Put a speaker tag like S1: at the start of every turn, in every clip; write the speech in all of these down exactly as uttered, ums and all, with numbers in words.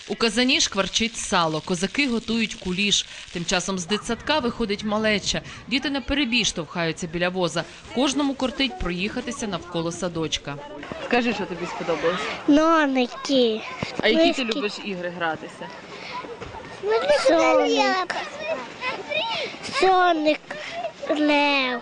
S1: У казані шкварчить сало, козаки готують куліш. Тим часом з дитсадка виходить малеча. Діти наперебій штовхаються біля воза. Кожному кортить проїхатися навколо садочка.
S2: Скажи, що тобі сподобалось?
S3: Ноники.
S2: А які ти любиш ігри гратися?
S3: Соник. Соник. Лев.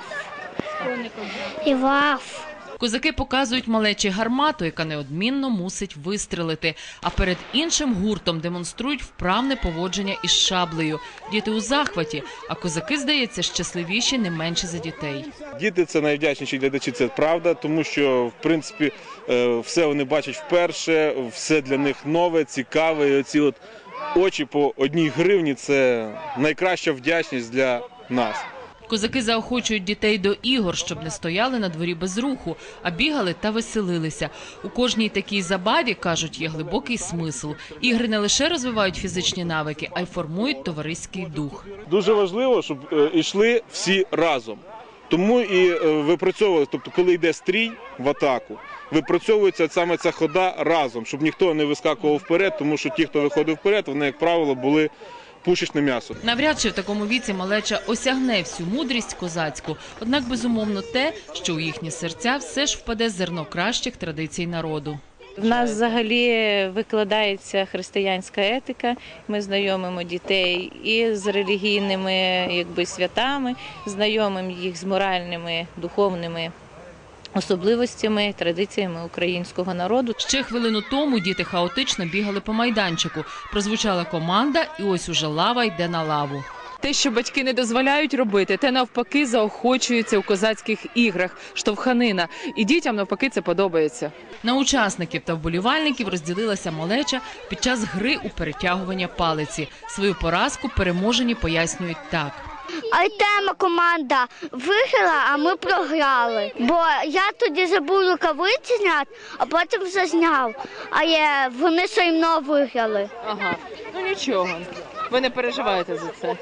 S3: І Ваф.
S1: Козаки показують малечі гармату, яка неодмінно мусить вистрелити. А перед іншим гуртом демонструють вправне поводження із шаблею. Діти у захваті, а козаки, здається, щасливіші не менше за дітей.
S4: Діти – це найвдячніші глядачі, це правда, тому що, в принципі, все вони бачать вперше, все для них нове, цікаве. І оці от очі по одній гривні – це найкраща вдячність для нас.
S1: Козаки заохочують дітей до ігор, щоб не стояли на дворі без руху, а бігали та веселилися. У кожній такій забаві, кажуть, є глибокий смисл. Ігри не лише розвивають фізичні навики, а й формують товариський дух.
S4: Дуже важливо, щоб йшли всі разом. Тому і випрацьовували, тобто коли йде стрій в атаку, випрацьовується саме ця хода разом, щоб ніхто не вискакував вперед, тому що ті, хто виходив вперед, вони, як правило, були пушечне м'ясо.
S1: Навряд чи в такому віці малеча осягне всю мудрість козацьку. Однак, безумовно, те, що у їхні серця все ж впаде зерно кращих традицій народу.
S5: В нас взагалі викладається християнська етика. Ми знайомимо дітей і з релігійними якби, святами, знайомимо їх з моральними, духовними особливостями, традиціями українського народу.
S1: Ще хвилину тому діти хаотично бігали по майданчику. Прозвучала команда, і ось уже лава йде на лаву.
S2: Те, що батьки не дозволяють робити, те навпаки заохочується у козацьких іграх, штовханина. І дітям навпаки це подобається.
S1: На учасників та вболівальників розділилася малеча під час гри у перетягування палиці. Свою поразку переможені пояснюють так.
S3: Артема команда виграла, а ми програли. Бо я тоді забув рукавиці зняти, а потім вже зняв. А є, вони все одно виграли.
S2: Ага, ну нічого. Ви не переживаєте за це?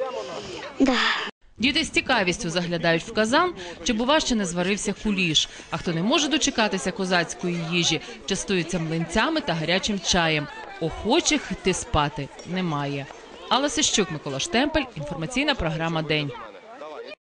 S3: Да.
S1: Діти з цікавістю заглядають в казан, чи бува ще не зварився куліш. А хто не може дочекатися козацької їжі, частується млинцями та гарячим чаєм. Охочих йти спати немає. Алла Сищук, Микола Штемпель, інформаційна програма «День».